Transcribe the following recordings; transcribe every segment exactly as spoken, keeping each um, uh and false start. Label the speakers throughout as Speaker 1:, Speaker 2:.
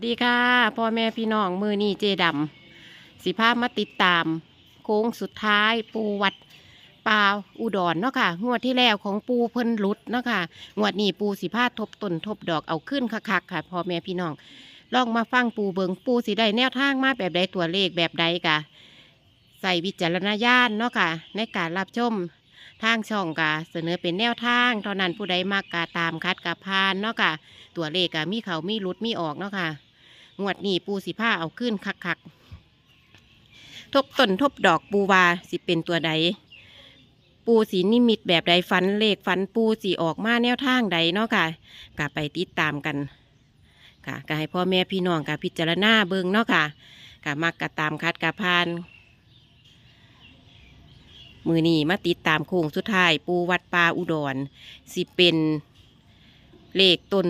Speaker 1: ดีค่ะพ่อแม่พี่น้องมือนี่เจดำสิภาพมาติดตามโค้งสุดท้ายปูวัดป่าอุดรเนาะค่ะงวดที่แล้วของปูเพิ่นหลุดเนาะค่ะงวดนี้ปูสิพาทบต้นทบดอกเอาขึ้นคักๆค่ะพ่อแม่พี่น้องลองมาฟังปูเบิงปูสิได้แนวทางมาแบบใดตัวเลขแบบใดกะใส่วิจารณญาณเนาะค่ะในการรับชมทางช่องกะเสนอเป็นแนวทางเท่านั้นผู้ใดมากกะตามคัดกะพานเนาะค่ะตัวเลขกะมีเขามีหลุดมีออกเนาะค่ะงวดนี้ปูสิผ้าเอาขึ้นคักๆทบต้นทบดอกปูวาสิเป็นตัวใดปูสีนิมิตแบบใดฟันเลขฟันปูสีออกมาแนวทางใดเนาะค่ะกะไปติดตามกันค่ะกะให้พ่อแม่พี่น้องกะพิจารณาเบิ่งเนาะค่ะกะมักกะตามคัดกะพานมือนี้มาติดตามโค้งสุดท้ายปูวัดป่าอุดรสิเป็นเลขต้น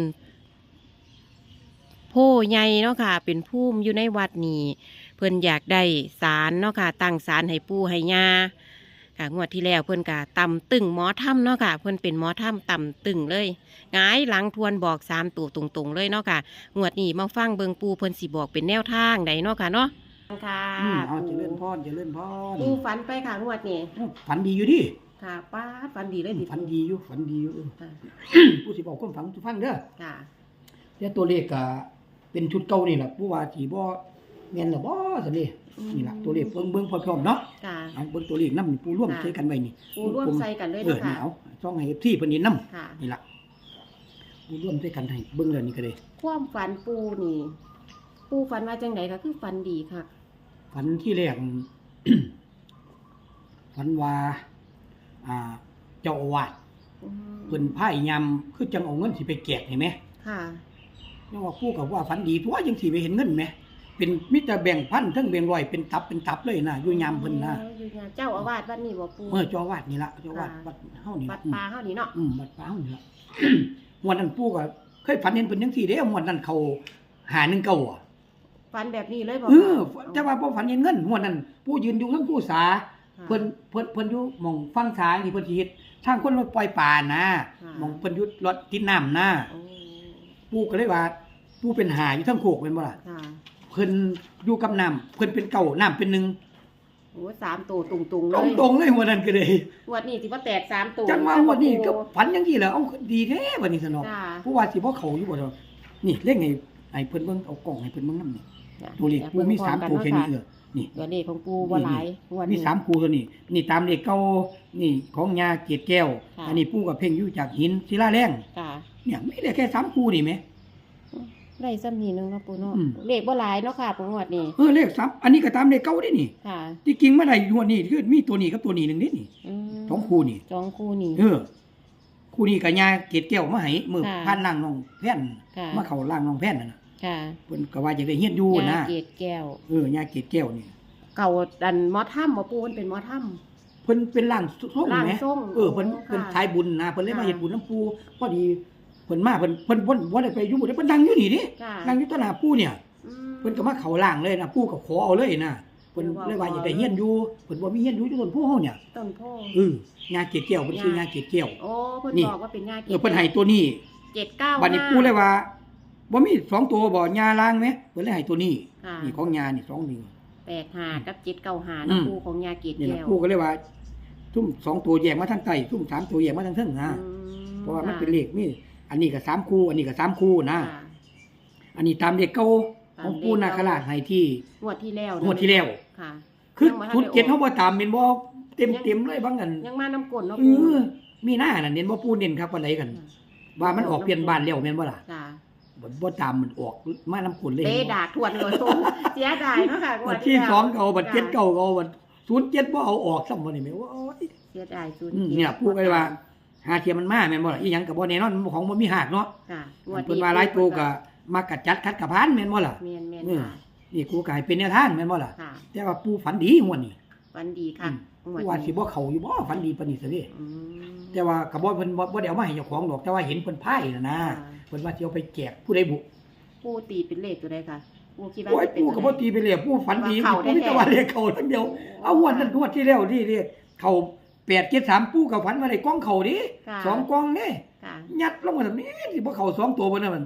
Speaker 1: โพใหญ่เนาะค่ะเป็นภูมิอยู่ในวัดนี้เพิ่นอยากได้ศาลเนาะค่ะตั้งศาลให้ปู่ให้ย่าค่ะงวดที่แล้วเพิ่นกะต่ำตึงหมอถ้ำเนาะค่ะเพิ่นเป็นหมอถ้ำต่ำตึงเลยหงายหลังทวนบอกสามตัวตรงๆเลยเนาะค่ะงวดนี้มาฟังเบิงปู่เพิ่นสิบอกเป็นแนวทางใดเนาะค่ะเนาะค่ะ
Speaker 2: อืมเอาเจริญพรเจริญพร
Speaker 1: ปู่ฝันไปค่ะงวดนี้
Speaker 2: ฝันดีอยู่ดิ
Speaker 1: ค่ะป้าดฝันดีเลยดิ
Speaker 2: ฝันดีอยู่ฝันดีอยู่เออ
Speaker 1: ค่ะ
Speaker 2: ผู้สิบอกคนฝันทุกฟังเด้อ
Speaker 1: ค่ะ
Speaker 2: แต่ตัวเลขก็เป็นชุดเก่านี่แหละผู้ว่าสิบ่แม่นหรอบ่ซั่นนี่นี่ล่ะตัวเลขเบิ่งเบิ่งพร้อมๆเนาะ
Speaker 1: ค่ะ
Speaker 2: เอาเบิ่งตัวเลขนำผู้ร่วมใช้กันไว้นี่
Speaker 1: ปู่ร่วมใส่กันเลย
Speaker 2: เออ
Speaker 1: เนาะ
Speaker 2: นี่
Speaker 1: ค่ะ
Speaker 2: เอาช่องให้ เอฟ ซี เพิ่นนี่นำ
Speaker 1: ค่ะ
Speaker 2: นี่ล่ะผู้ร่วมใช้กันให้เบิ่งแล้วนี่ก็เลย
Speaker 1: ความฝันปูนี่ ปูฝันว่าจังไดก็คือฝันดีค่ะ
Speaker 2: ฝันที่แรก ฝันว่าอ่าเจ้าอาวาส
Speaker 1: อืม
Speaker 2: เพิ่นพายยามคือจังเอาเงินสิไปแจกเห็นไหม
Speaker 1: ค่ะ
Speaker 2: ยังว่าผู้กับว่าฝันดีทั่วยังสิไปเห็นเงินไหมเป็นมิตรแบ่งพันทั้งแบ่งร้อยเป็นตับเป็นตับเลยนะอยู่ยามเพิ่นนะ
Speaker 1: อ๋ออยู่ยามเจ้าอาวาสวัดนี่บ่ปู
Speaker 2: เมื่อเจ้าอาวาดนี่ละเจ้าอาวาด
Speaker 1: ค่ะ
Speaker 2: วัดเฮานี่
Speaker 1: วั
Speaker 2: ละ
Speaker 1: ดป่าเฮานี่เนาะ
Speaker 2: อืมวัดป่าเฮานี่ละ งวดนั้นปู่ก็เคยฝันเห็นเพิ่นจังซี่เด้งวดนั้นเขาหาหนึ่งเก้าอ่ะ
Speaker 1: ฝันแบบนี้เลยบ่
Speaker 2: เออ
Speaker 1: ค่ะ
Speaker 2: แต่ว่าบ่ฝันเห็นเงินงวดนั้นปู่ยืนอยู่ทั้งผู้สา
Speaker 1: ค่ะ
Speaker 2: เพิ่นเพิ่นเพิ่นอยู่หม่องฟังซ้ายนี่เพิ่นสิเฮ็ดทางคนรถปล่อยปลานะ
Speaker 1: ค่ะ
Speaker 2: หม่องเพิ่นอยู่รถติดน้ำนะ
Speaker 1: โอ้
Speaker 2: ปู่ก็เลยว่าปู่เป็นหาอยู่ทั้งโคกแม่นบ่ล่ะ
Speaker 1: ค่ะ
Speaker 2: เพิ่นอยู่กับน้ำเพิ่นเป็นเก่าน้ำเป็นหนึ่ง
Speaker 1: โอ้สามตัวตุงๆเล
Speaker 2: ตรง
Speaker 1: ย
Speaker 2: ตรงๆเลยหัวนั้นก็เลย
Speaker 1: งวดนี้สิบ่แตกสามตัว
Speaker 2: จังว่าหัวนี้ก็ฝันจังซี่แหละเอาดีแท้บัดนี้สนอก
Speaker 1: ค่ะ
Speaker 2: ผู้ว่าสิบ่เข้าอยู่บ่ดอกนี่เล่งให้ให้เพิ่นเบิ่งเอากล้องให้เพิ่นเบิ่งนำนี่
Speaker 1: จ้ะ
Speaker 2: ตัวเลขกูมีสามตัวแค่นี้เออนี่
Speaker 1: ตัวเลขของปูบ่หลายงวด
Speaker 2: มี
Speaker 1: นี้
Speaker 2: สามคู่ตัวนี้นี่ตามเลขเก่านี่ของยาเกตแก้ว
Speaker 1: ค่ะ
Speaker 2: อันนี้ปู่ก็เพ่งอยู่จากหินศิลาแรง
Speaker 1: ค่ะ
Speaker 2: เนี่ยมีได้แค่สามคู่นี่แหม
Speaker 1: ได้ซ้ำนี้นึงเนาะปูเนาะ
Speaker 2: อืม
Speaker 1: เลขบ่หลายเนาะค่ะปูงวดนี้
Speaker 2: เออเลขสามอันนี้ก็ตามเลขเก่าเด้นี่
Speaker 1: ค่ะ
Speaker 2: ที่จริงมาได้งวดนี้คือมีตัวนี้กับตัวนี้หนึงเด้นี่
Speaker 1: อืม
Speaker 2: สองคู่นี่
Speaker 1: สองคู่นี่
Speaker 2: เออคู่นี้กับยาเกตแก้วมาให้มือ
Speaker 1: ค่ะ
Speaker 2: พันล่างน้องแพ่น
Speaker 1: ค่ะ
Speaker 2: มาเข้าล่างน้องแพ่นนั่นน่ะ
Speaker 1: ค่ะ
Speaker 2: เพิ่นก็ว่าจะได้เฮียนอยู่นะ
Speaker 1: ยาเกตแก้ว
Speaker 2: เออยาเกตแก้วนี่
Speaker 1: เก่าดันหมอถ้ำบ่ปูมันเป็นหมอถ้
Speaker 2: เพิ่นเป็นร่างทรง
Speaker 1: ร่าง
Speaker 2: แหม
Speaker 1: ทรง
Speaker 2: เออเพิ่น
Speaker 1: ค่ะ
Speaker 2: เพิ่นทายบุญนะเพิ่นเลยมา
Speaker 1: ค่ะ
Speaker 2: เฮ็ดบุญน้ำปูพอดีเพิ่นมาเพิ่นเพิ่นบ่บ่ได้ไปอยู่บ่ได้เพิ่นนั่งอยู่นี่ดิ
Speaker 1: ำค่ะ
Speaker 2: นั่งอยู่ต่อหน้าปู่เนี่ย
Speaker 1: อืม
Speaker 2: เพิ่นก็มาเข้าล่างเลยนะปู่ก็ขอเอาเลยนะเพิ่น
Speaker 1: ว้าว
Speaker 2: เลยว่าอยากได้เฮียนอยู่เพิ่นบ่มีเฮียนอยู่อยู่ต้นโพเฮาเนี่ย
Speaker 1: ต้นโพ
Speaker 2: เออยาเกตแก้วเพิ่นชื่อยาเกตแก้ว
Speaker 1: โอ้เพิ่น
Speaker 2: นี่
Speaker 1: บอกว่าเป็นยาเก
Speaker 2: เออเพิ่นให้ตัวนี้
Speaker 1: เจ็ดเก้า
Speaker 2: บัดนี้ปู่เลยว่าบ่มีสองตัวบ่ยาล้างไหมเพิ่นเลยให้ตัวนี้
Speaker 1: ค่ะ
Speaker 2: นี่ของยานี่สองนี่
Speaker 1: แปดหากับเจ็ดเก้าหา
Speaker 2: อื
Speaker 1: นะ
Speaker 2: ม
Speaker 1: ปูของยาเกต
Speaker 2: นี่แหละ
Speaker 1: แก้ว
Speaker 2: ปู่ก็เลยว่าทุ่มสองตัวแยกมาทางใต้ทุ่มสามตัวแยกมาทางเทิงนะ
Speaker 1: อืม
Speaker 2: เพราะว่ามัน
Speaker 1: ค่ะ
Speaker 2: เป็นเลขนี่อันนี้ก็สามคู่ อันนี้ก็สามคู่นะ
Speaker 1: ค่ะ
Speaker 2: อันนี้ตามเลขเก่า
Speaker 1: ตาม
Speaker 2: ของปู่
Speaker 1: เลข
Speaker 2: นา
Speaker 1: เก่า
Speaker 2: คราชให้ที่
Speaker 1: งวดที่แล้ว
Speaker 2: งวดที่แล้ว
Speaker 1: ค่ะ
Speaker 2: คือ
Speaker 1: ยังบ่ทัน
Speaker 2: ทุน
Speaker 1: ได้
Speaker 2: เจ็ด
Speaker 1: อ
Speaker 2: เขา
Speaker 1: อก
Speaker 2: บ่ตามเม็นบ่เต็มเต็มเลยบางอัน
Speaker 1: ยังมาน้ำกลนเนาะ
Speaker 2: เอ
Speaker 1: ปู
Speaker 2: อมีหน้าน่ะเน้นบ่ปู่เน้นครับปานใดกัน ว่ามันออกเปลี่ยนบ้านแล้วแม่นบ่ล่ะ
Speaker 1: จ้ะ
Speaker 2: บ่บ่ตามมันออกมาน้ำกลนเลย
Speaker 1: เตะดากทวนเลยปูเสียดายเนาะค่ะงว
Speaker 2: บั
Speaker 1: ด
Speaker 2: ดที่
Speaker 1: แล้ว
Speaker 2: สองก็เอาบัดเจ็ด
Speaker 1: จ้ะ
Speaker 2: เก่าก็เอาบัดศูนย์เจ็ดบ่เอาออกซ้ำบ่นี่แม่ว่าโอ้ย
Speaker 1: เสียดายศูนย์
Speaker 2: อืม
Speaker 1: จ็ด
Speaker 2: เนี่ยปู่ก็เลยว่าหาเทียมมันมาแม่นบ่ล่ะอีหยังก็บ่แน่นอนของบ่มีหักเนาะ
Speaker 1: ค่ะ
Speaker 2: เพิ่นว่าหลายตัวก็มากัดจัดคัดกะพานแม่นบ่ล่ะ
Speaker 1: เมียนเมียน
Speaker 2: เออ
Speaker 1: ค่ะ
Speaker 2: นี่กูก็ให้เป็นแนวทางแม่นบ่ล่ะ
Speaker 1: ค่ะ
Speaker 2: แต่ว่าปู่ฝันดีงวดนี้
Speaker 1: วันดีค่ะ
Speaker 2: กูว่าสิบ่เข้าอยู่บ่ฝันดีปานนี้ซะเด้
Speaker 1: อืม
Speaker 2: แต่ว่าก็บ่เพิ่นบ่บ่ได้เอามาให้เจ้าของดอกแต่ว่าเห็นเพิ่นพายน่ะนะ
Speaker 1: ค่ะ
Speaker 2: เพิ่นว่าสิเอาไปแจกผู้ใดบุ
Speaker 1: ปูตีเป็นเลขตัวใดค่ะปูคิดว่า
Speaker 2: โอ้ย
Speaker 1: จะเป็น
Speaker 2: ปู่ก็บ่ตีไปเลยปู่ฝันดี
Speaker 1: ว่าเข้า
Speaker 2: ปู่มี
Speaker 1: แท้ๆ
Speaker 2: แต่ว่าเลขเข้าทั้งเดียวเอางวดนั้นงวดที่แล้วนี่เด้เข้าแปดเจ็ดสามปู่ก็ฝันว่าได้กล้องเข้าดิ
Speaker 1: ค่ะ
Speaker 2: สองกล้องเด้
Speaker 1: ค่ะ
Speaker 2: ยัดลงมาแบบนี้สิบ่เข้าสองตัวบ่นั่นมัน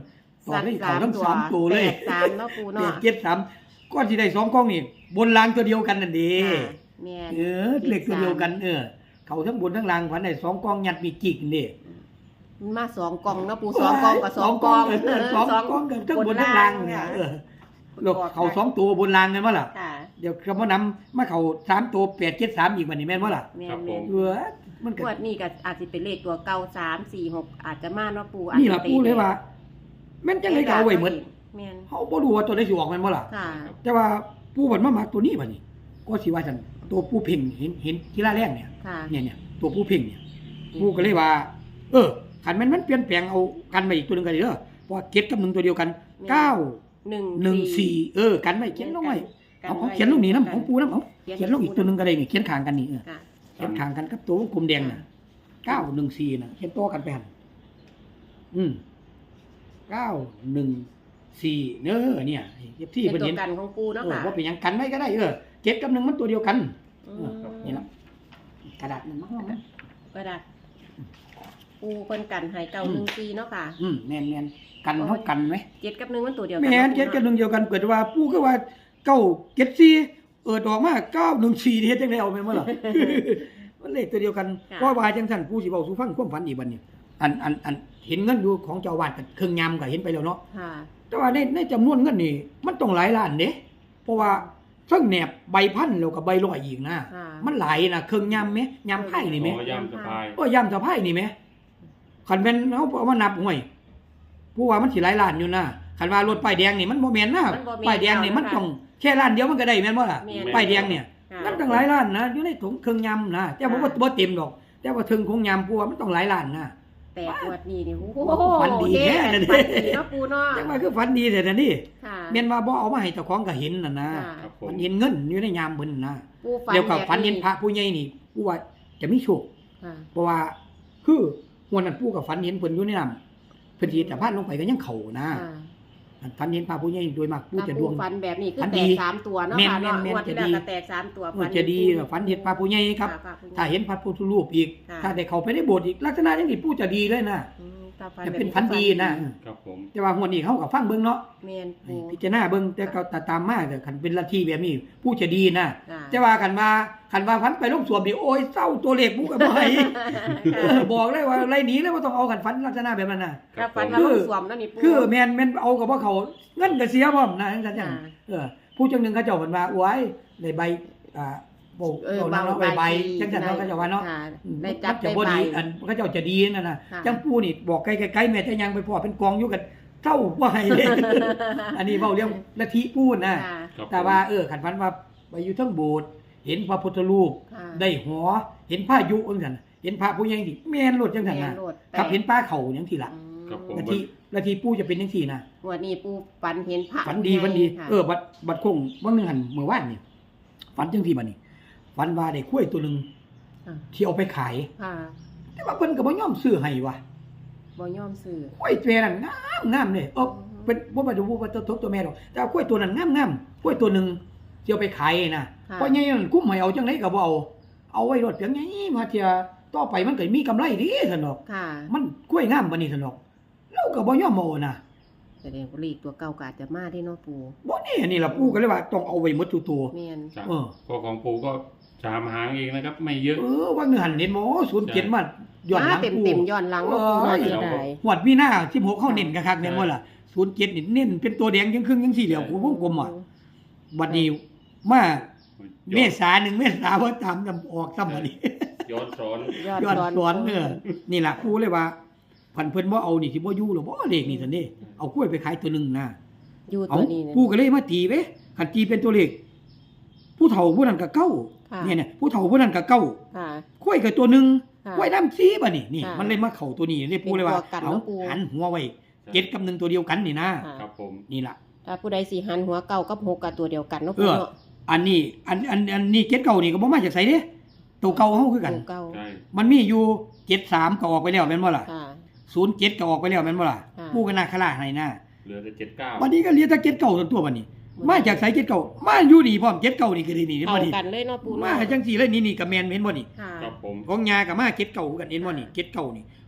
Speaker 2: ต่อได้เขาทั้งสามตัวเลย
Speaker 1: แปดสามเนาะปู
Speaker 2: แป
Speaker 1: เนาะ
Speaker 2: ดเจ็ดสามก้อนที่ได้สองกล้องนี่บนรางตัวเดียวกันนั่นเด้
Speaker 1: ค่ะแม่น
Speaker 2: เออเลขตัวเดียวกันเออเขาทั้งบนทั้งล่างพันได้สองกล้องยัดมีจิกนี่
Speaker 1: มันมาสองกล่องเนาะปูสองกล่องกับสองกล่อง
Speaker 2: เออสองกล้องกันทั้งบนทั้งล่างเนี่ยเออแล้วเขาสองตัวบนรางกันมั้ล่ะ
Speaker 1: ค่ะ
Speaker 2: เดี๋ยวคำว่านำมาเขาสามตัวแปดเจ็ดสามอีกวันนี้แม่นมั้ล่ะ
Speaker 1: แม่
Speaker 3: ครั
Speaker 1: น
Speaker 3: บ
Speaker 1: แม่น
Speaker 3: ผม
Speaker 2: เออมันก็
Speaker 1: งวดนี้ก็อาจจะเป็นเลขตัวเก่าสามสี่หกอาจจะมาเนาะปูอาจ
Speaker 2: นี่
Speaker 1: จะ
Speaker 2: ล่ะพูดเลยว่าแม่นจังเลยก็เอาไว้หมด
Speaker 1: แม่น
Speaker 2: เฮาบ่รู้ว่าตัวใดสิออกแม่นบ่ล่ะ
Speaker 1: ค่ะ
Speaker 2: แต่ว่าปู่บัดมามักตัวนี้บัดนี้ ก็สิว่าซั่นตัวปู่เพ่งเห็นเห็นทีละแรกเนี่ย
Speaker 1: ค่ะ
Speaker 2: เนี่ยเนี่ยตัวปู่เพ่งเนี่ยปู่ก็เลยว่า เออคันแม่นมันเปลี่ยนแปลงเอากันไปอีกตัวหนึงก็ได้เด้อเพราะว่าเก็ดกับหนึ่งตัวเดียวกันเก้า
Speaker 1: หนึ่ง
Speaker 2: หนึ่งสี่เออกันไว้เขียนลงไว้เอาเอาเขียนลงนี่นำของปู่นำเอาเขียนลงอีกตัวหนึงก็ได้นี่เขียนข้างกันนี่เออ
Speaker 1: ค่ะ
Speaker 2: เขียนข้างกันกับตัววงกลมแดงน่ะเก้าหนึ่งสี่น่ะเขียนตัวกันไปหั่นอืมเก้าหนึ่งสี่เด้อเนี่ยเย็บที่
Speaker 1: เป็น
Speaker 2: เพิ่น
Speaker 1: ตัว
Speaker 2: เห็น
Speaker 1: กันของปูเนาะ
Speaker 2: เออ
Speaker 1: ค่ะ
Speaker 2: ว่าเป็นหยังกันไว้ก็ได้เออเจ็ดกับหนึ่งมันตัวเดียวกัน
Speaker 1: อื
Speaker 2: เออ
Speaker 1: ม
Speaker 2: นี่ละกระดาษมันมาห้องนะ
Speaker 1: ก็ได้ปูเพิ่นกันให้เก่าหนึ่งสี่เนาะค่ะ
Speaker 2: อืมแน่นแน่นกันเท่ากันไหม
Speaker 1: เจ็ดกับหนึ่งมันตัวเดียวกั
Speaker 2: แม่นเจ็ดกับหนึ่งเดียวกันเกิดว่าปู่ก็ว่าเก้าเจ็ดสี่เออดอกมาเก้าหนึ่งสี่เฮ็ดจังได๋เอาแม่นบ่ล่ะ มันเลขตัวเดียวกันเพราะว่าจังซั่นปู่สิเว้าสู่ฟังความฝันอีกบัดนี้อันอันอันเห็นเงินอยู่ของเจ้าอาวาสก็เครื่องยามก็เห็นไปแล้วเนาะ
Speaker 1: ค่ะ
Speaker 2: แต่ว่าในในจำนวนเงินนี่มันต้องหลายล้านเด้เพราะว่าเทั้งแหนบใบพันแล้วก็ใบร้อยอีกนะ
Speaker 1: ค่ะ
Speaker 2: มันหลายนะเครื่องยามแม่ยามไผ่นี่แม่
Speaker 3: อ๋อย่ำสะพาย
Speaker 2: โอ้ยยามสะไผ่นี่แม่คันแม่นเฮาเอามานับห่วยผู้ว่ามันสิหลายล้านอยู่นะคันว่ารถป้ายแดงนี่มันบ่แม่นนะ
Speaker 1: มันบ่แม่น
Speaker 2: ป้ายแดงนี่มัน
Speaker 1: แล้วนะคะ
Speaker 2: ต้องแค่ล้านเดียวมันก็ได้แม่นบ่ล่ะ
Speaker 1: แม่น
Speaker 2: ป้ายแดงเนี่ย
Speaker 1: ค่ะ
Speaker 2: มันต้องหลายล้านนะอยู่ในถุงเครื่องยามนะแต่บ่ว่าบ่เต็มดอก แต่ว่าถึงของยามผู้ว่ามันต้องหลายล้านนะ
Speaker 1: แปดงวดนี้นี่โอ้โห
Speaker 2: ฝันดีแท้
Speaker 1: เด้
Speaker 2: นั่นดิ
Speaker 1: ฝันดีเนาะปูเนาะ
Speaker 2: แต่ว่าคือฝันดีแต่นี่
Speaker 1: ค่ะ
Speaker 2: แม่นว่าบ่เอามาให้เจ้าของก็เห็นน่ะนะ
Speaker 1: ค่ะ
Speaker 3: ครับผม
Speaker 2: มันเห็นเงินอยู่ในยามเพิ่นนะ
Speaker 1: ปูฝัน
Speaker 2: เดี๋ยวกับ
Speaker 1: แบบ
Speaker 2: ฝันเห็นพระผู้ใหญ่นี่ผู้ว่าจะมีโชค
Speaker 1: ค่ะ
Speaker 2: เพราะว่าคือหัวนั้นผู้กับฝันเห็นเพิ่นอยู่ในน้ำเพิ่นสิแต่พาดลงไปก็ยังเข้านะ
Speaker 1: ค่ะ
Speaker 2: อันฝันเห็นพระผู้ใหญ่โดยมากผู้
Speaker 1: ถ้า
Speaker 2: จะด
Speaker 1: ปู
Speaker 2: วง
Speaker 1: ฝันแบบนี้คือ
Speaker 2: ฝัน
Speaker 1: แต
Speaker 2: ดี
Speaker 1: กสามตัวเนาะ
Speaker 2: แม่น
Speaker 1: ค่ะ
Speaker 2: แม่น
Speaker 1: เนาะ
Speaker 2: แม่น
Speaker 1: งวดที่
Speaker 2: จะดี
Speaker 1: แล้วก็แตกสามตัว
Speaker 2: เออจะดีฝันเห็นพระผู้ใหญ่ครับ
Speaker 1: ะพะ
Speaker 2: ถ้าเห็นพระพุทธรูปอีก
Speaker 1: ค่ะ
Speaker 2: ถ้าได้เข้าไปในโบสถ์อีกลักษณะอย่างนี้ผู้จะดีเลยนะ
Speaker 1: อืมถ้าฝั
Speaker 2: จะ
Speaker 1: แบบ
Speaker 2: เป็นฝันดีนะ
Speaker 3: ครับผม
Speaker 2: แต่ว่าหัวนี้เขาก็ฟังเบิ่งเนาะ
Speaker 1: แม่นปู
Speaker 2: พิจารณาเบิ่งแต่ก็ตามมาแต่คันเป็นลัทธิแบบนี้ผู้จะดีนะ
Speaker 1: ค่ะ
Speaker 2: แต่ว่าคันว่าคันว่าฝันไปลงสวมนี่โอ้ยเศร้าตัวเลขผู้ก็บ่ให้ เออบอกเลยว่าไรหนีเลยว่าต้องเอากันฝันลักษณะแบบนั้นน่ะ
Speaker 3: ครั
Speaker 1: ถ้า
Speaker 3: บผ
Speaker 1: ฝัน
Speaker 3: ม
Speaker 1: ว่าลูกสวมนั่นนี่ปู
Speaker 2: คือแม่นแม่นเอากับว่าเขาเงินก็เสียพร้อมนะจังซั่นจัง
Speaker 1: ค่ะ
Speaker 2: เออผู้จังหนึงเขาเจ้าเพิ่นว่าโอ้ยได้ใบอ่าโบก
Speaker 1: เออ
Speaker 2: เอานางเอาใบใบจังซั่น
Speaker 1: ได้
Speaker 2: เขาเจ้าว่าเนาะ
Speaker 1: ค่ะ
Speaker 2: อืม
Speaker 1: ได้จับ
Speaker 2: มันจะ
Speaker 1: ได้
Speaker 2: บ่
Speaker 1: ใบ
Speaker 2: ดีอันเขาเจ้าจะดีนั่นน่ะ
Speaker 1: ค่ะ
Speaker 2: จังผู้นี่บอกไกลๆๆแม่แต่ยังไปพอเป็นกองอยู่กันเท่าบ่ให้เลย อันนี้เว้าเรื่องลัทธิพูดนะ
Speaker 1: ค่ะ
Speaker 3: ครับผม
Speaker 2: แต่ว่าเออคันฝันว่าไปอยู่เทั้งโบสถ์เห็นพระพุทธรูป
Speaker 1: ค่ะ
Speaker 2: ได้หอเห็นพายุจังซั่นเห็นพระผู้ใหญ่ที่แม่นโลดจังซั่น
Speaker 1: แม่
Speaker 2: น่ะ
Speaker 1: นโลดแปด
Speaker 2: กับเห็นป้าเขาจังซี่ล่ะ
Speaker 1: อืม
Speaker 3: ครับผม
Speaker 2: ลัทธิลัทธิปู่จะเป็นจังซี่นะ
Speaker 1: งวันนี้ปูฝันเห็นพระ
Speaker 2: ฝันดีฝันดี
Speaker 1: ค่ะ
Speaker 2: เออบัดบัดคงว่านึงหันเมื่อวานนี่ฝันจังซี่บัดนี้ฝันว่าได้กล้วยตัวหนึง
Speaker 1: ค่ะ
Speaker 2: ที่เอาไปขาย
Speaker 1: ค่ะ
Speaker 2: แต่ว่าเพิ่นก็บ่ยอมซื้อให้ว่ะ
Speaker 1: บ่ยอมซื้อก
Speaker 2: ล้วยตัวนั้นงามงามเลยเออเป็นบ่มาดูว่าตัวตัวแม่ดอกแต่ว่ากล้วยตัวนั้นงามงามกล้วยตัวหนึงที่เอาไปขายนะเพราะใหญ่นั่นกุ้มให้เอาจังไดก็บ่เอาเอาไว้รถเพียงใหญ่มาเที่ยต่อไปมันก็มีกำไรดีซั่นดอก
Speaker 1: ค่ะ
Speaker 2: มันกล้วยงามบัดนี้ซั่นดอกเราก็บ่ยอมเอานะ
Speaker 1: แสดงว่าเลขตัวเก่าก็อาจจะมาได้เนาะปู
Speaker 2: บ่นี่อันนี้ล่ะปู่ก็เลยว่าต้องเอาไว้หมดทุกตัว
Speaker 1: แม่น
Speaker 3: ครับ
Speaker 2: เออ
Speaker 3: ก็ของปูก็สามหางเองนะครับ ไม่เยอะ
Speaker 2: เออว่าเงินหันเน้นหมอศูนย์เจ็ดมาย้อนหลัง
Speaker 1: เต็ม
Speaker 2: กู
Speaker 1: เต็มๆย้อนหลังเนาะปู
Speaker 2: เอ้
Speaker 1: เนาะ
Speaker 2: ย
Speaker 1: เสียดาย
Speaker 2: หวดมีหน้าสิบหกเข้าเน้นคักๆเนี่ยว่าล่ะศูนย์เจ็ดนี่เน้นเป็นตัวแดงยังครึ่งยังสี่เหลี่ยมกูวงกลมอ่ะบัดนี้มาเมษาหนึ่งเมษาว่าตามนำออกซ้ำบัดนี้
Speaker 3: ย้อนสอน
Speaker 1: ย้อน
Speaker 2: ย้อน
Speaker 1: สอน
Speaker 2: สอนเออนี่ล่ะครูเลยว่าพันเพิ่นบ่เอานี่สิบ่อยู่หรอกบ่เลขนี่ซั่นเด้เอากล้วยไปขายตัวหนึงนะ
Speaker 1: อยู่
Speaker 2: เอา
Speaker 1: ตัวนี้เนี่ย
Speaker 2: ผู้ก็เลยมาตีเว้คันตีเป็นตัวเลขผู้เฒ่าผู้นั้นก็เก้า
Speaker 1: ค่ะ
Speaker 2: เนี่ยเนี่ยผู้เฒ่าผู้นั้นก็เก้า
Speaker 1: ค่ะ
Speaker 2: กล้วยกับตัวหนึ่ง
Speaker 1: ค่ะ
Speaker 2: กล้วยน้ำซีบ่นี่นี่
Speaker 1: ค่ะ
Speaker 2: มันเลยมาเข่าตัวนี้เลยปูเลยว่า
Speaker 1: เป็นตัวกัน
Speaker 2: เอา
Speaker 1: เนาะปู
Speaker 2: หันหัวไว้เจ็ดกับหนึ่งตัวเดียวกันนี่นะ
Speaker 1: ค่ะ
Speaker 3: ครับผม
Speaker 2: นี่ล่ะ
Speaker 1: ถ้าผู้ใดสิหันหัวเก่ากับหกกับตัวเดียวกันเนาะ
Speaker 2: เอ
Speaker 1: ปู
Speaker 2: อ
Speaker 1: เนาะ
Speaker 2: อันนี้อันอันอันนี้เจ็ดเก่านี่ก็บ่มาจากไสเด้ตัวเก่าเฮาคือกัน
Speaker 1: ตัวเก่า
Speaker 3: ใช่
Speaker 2: มันมีอยู่เจ็ดสามก็ออกไปแล้วแม่นบ่ล่ะ
Speaker 1: ค่ะ
Speaker 2: ศูนย์เจ็ดก็ออกไปแล้วแม่นบ่ล่ะ
Speaker 1: ค่ะ
Speaker 2: ปูก็นาคราให้นะ
Speaker 3: เหลือแต่เจ็ดเก้า
Speaker 2: วันนี้ก็เหลือแต่เจ็ดเก่าตัวตัวบัดนี้ มาจากไสเจ็ดเก่ามาอยู่นี่พร้อมเจ็ดเก่านี่ก็ได้นี่เห็น
Speaker 1: เข้า
Speaker 2: บ่นี่
Speaker 1: กันเลยเนาะปู
Speaker 2: มา
Speaker 1: เนาะ
Speaker 2: จังซี่เลยนี่นี่ก็แม่นเห็นบ่นี่
Speaker 1: ค่ะ
Speaker 3: ครับผม
Speaker 2: ของยากับมาเจ็ดเก่าคือกันเห็นบ่นี่เจ็ดเก่านี่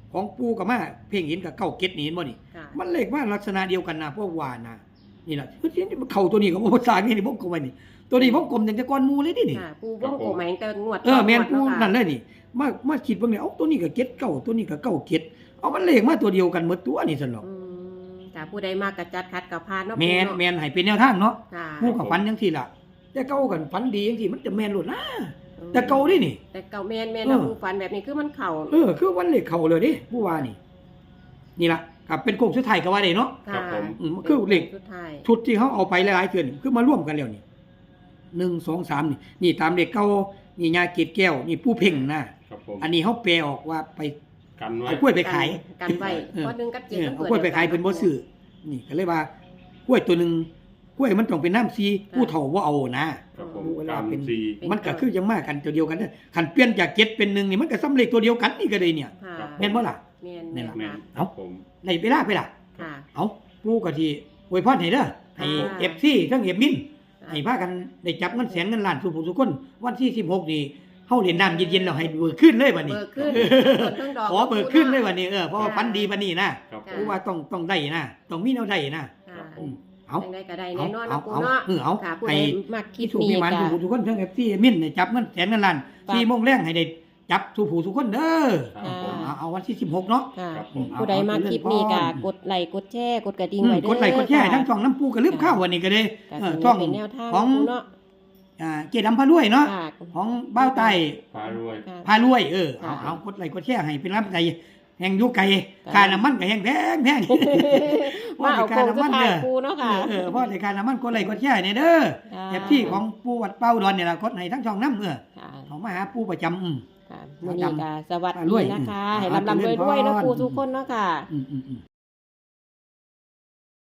Speaker 2: ของปูกับมาเพ่งเห็นกับเก้าเก็ดนี่เห็นบ่นี่
Speaker 1: ค่ะ
Speaker 2: มันเลขว่าลักษณะเดียวกันนะพวกว่านะนี่แหละเฮ้ยเข่าตัวนี้กับภาษานี่นี่ผมกลมไว้นี่ตัวนี้ผมกลมอย่างแต่ก้อนหมูเลยดินี่
Speaker 1: ค่ะปูวงกลมหมายถึงแต่งวด
Speaker 2: เออแม่นปู
Speaker 1: งวด
Speaker 2: นั่น
Speaker 1: เาะ
Speaker 2: เลยนี่มามาคิดเบิ่งเนี่ยเอ้าตัวนี้ก็เก็ดเก้าตัวนี้ก็เก้าเก็ดเอามันเลขมาตัวเดียวกันหมดตัวนี่ซั่นหรอก
Speaker 1: อืมค่ะผู้ใดมากกระจัดคัดกับพานเนาะ
Speaker 2: แม่น
Speaker 1: ปูเนาะ
Speaker 2: แม่นให้เป็นแนวทางเนาะ
Speaker 1: ค่ะ
Speaker 2: ผู้กับฝันจังซี่ล่ะแต่เก่ากันฝันดีจังซี่มันจะแม่นโลดนะแต่เก่าดินี่
Speaker 1: แต่เก่าแม่นแม่น
Speaker 2: เออ
Speaker 1: นะปูฝันแบบนี้คือมันเข่า
Speaker 2: เออคือวันเลขเข้าเลยดิผู้ว่านี่ นี่ล่ะครับเป็นโค้งสุดท้ายก็ว่าได้เนาะ
Speaker 1: ค่ะ
Speaker 2: อืมคือเลข
Speaker 1: สุดท้าย
Speaker 2: ชุดที่เขาเอาไปหลายๆเทื่อนี่คือมาร่วมกันแล้วนี่หนึ่ง สอง สามนี่นี่ตามเลขเก่านี่ยาเกตแก้วนี่ผู้เพ่งนะครับ
Speaker 3: ผม
Speaker 2: อันนี้เขาแปลออกว่าไป
Speaker 3: กันไว้
Speaker 2: เอากล้วยไปขาย
Speaker 1: กันไว้
Speaker 2: เออ
Speaker 1: ข้อหนึงกับเจ็ด
Speaker 2: เออ
Speaker 1: มัน
Speaker 2: เอา
Speaker 1: ปิด
Speaker 2: กล้วยไปขายเป็นบ่ซื้อนี่ก็เลยว่ากล้วยตัวหนึงกล้วยมันต้องเป็นน้ำซีผู้เฒ่าบ่เอานะครับ
Speaker 3: ผม
Speaker 2: เวลา
Speaker 3: กัน
Speaker 2: เป็น
Speaker 3: สี่
Speaker 2: มันก็คือยังมากันตัวเดียวกันเด้อคันเปลี่ยนจากเจ็ดเป็นหนึ่งนี่มันก็ซ้ำเลขตัวเดียวกันนี่ก็เลยเนี่ย
Speaker 1: ค่ะ
Speaker 3: ครับ
Speaker 2: แม่นบ่ล่ะ
Speaker 1: แม่น
Speaker 2: นี่
Speaker 1: แม่น
Speaker 2: ล่ะ
Speaker 3: แม่น
Speaker 1: ค่ะ
Speaker 3: ครับผม
Speaker 2: ในเวลาไปล่ะ
Speaker 1: ค่ะ
Speaker 2: เอาปู่ก็ที่อวยพรให้เด้อให้
Speaker 1: ค่ะ
Speaker 2: เอฟซีทั้งเอฟมินให้พากันได้จับเงินแสนเงินล้านสู่ผู้ทุกคนวันที่สิบหกนี่เฮาเล่นน้ำเย็นๆแล้วให้เบิกขึ้นเลยบัดนี้
Speaker 1: เบิกขึ้นต้นดอก
Speaker 2: ขอเบิกขึ้นเลยบัดนี้เออเพราะว่าฝันดีบัดนี้นะครับ
Speaker 3: ผ
Speaker 2: ปู่
Speaker 3: ม
Speaker 2: ว่าต้องต้องได้นะต้องมีแนวได้นะ
Speaker 1: ค่ะ
Speaker 3: ผม
Speaker 2: เอา
Speaker 1: จังได้ก็ได้
Speaker 2: เอา
Speaker 1: แน่นอน
Speaker 2: เอา
Speaker 1: นะปู
Speaker 2: เอา
Speaker 1: เนาะ
Speaker 2: เออเอา
Speaker 1: ค่ะผู้
Speaker 2: ให้
Speaker 1: ใดมักคิ
Speaker 2: ที่
Speaker 1: ด
Speaker 2: ถูก
Speaker 1: นี้
Speaker 2: มีหมัน
Speaker 1: ก็
Speaker 2: สู่ผู้ทุกคนทั้งเอฟซีมินได้จับเงินแสนเงินล้าน
Speaker 1: ฝาก
Speaker 2: สี่โมงแรงให้ได้จับสู่ผู้ทุกคนเด้อ
Speaker 3: ครับผม
Speaker 2: เอาเอาวันที่สิบหกเนาะ
Speaker 1: ค่ะ
Speaker 3: ครับผม
Speaker 1: ผู้ใดมาคลิปนี้ก็กดไลค์กดแชร์กดกระดิ่ง
Speaker 2: อืม
Speaker 1: ไว้เด้อก
Speaker 2: ดไลค์กดแชร์ทั้งช่องน้ำปูก็ลืมข้าววันนี้ก็ได้
Speaker 1: ก็
Speaker 2: เออ
Speaker 1: สิ
Speaker 2: ช่อง
Speaker 1: เป็นแนวทาง
Speaker 2: ของ
Speaker 1: ปูเนาะ
Speaker 2: อ่าเจดำพารวยเนาะ
Speaker 1: ค่ะ
Speaker 2: ของบ้าวไต
Speaker 3: พารวย
Speaker 1: ค่ะ
Speaker 2: พารวยเออเอา
Speaker 1: ค่ะ
Speaker 2: เอากดไลค์กดแชร์ให้เป็นรับใจแห่งอยุไก่
Speaker 1: ค่ะ
Speaker 2: ค่าน้ำมันก็แห่งแพงแพง
Speaker 1: มาเอาโคงสุดท้าย
Speaker 2: เด้อ
Speaker 1: ปูเนาะค่ะ
Speaker 2: เออเพราะในการน้ำมันกดไลค์กดแชร์เนี่ยเด้อ
Speaker 1: ค่ะ
Speaker 2: แอปที่ของปูวัดเป้าดอนเนี่ยล่ะกดให้ทั้งช่องน้ำเออ
Speaker 1: ค่ะ
Speaker 2: เขามาหาปูประจำอืม
Speaker 1: ค่ะมื้อนี้ก็สวัส
Speaker 2: อ่าร
Speaker 1: ดี
Speaker 2: วย
Speaker 1: นะคะ
Speaker 2: อืม
Speaker 1: ให้
Speaker 2: อ่า
Speaker 1: ลำลำรวยๆเนาะ
Speaker 2: เจริญพร
Speaker 1: ปูทุกคนเนาะค่ะ
Speaker 2: อืมอืมอืม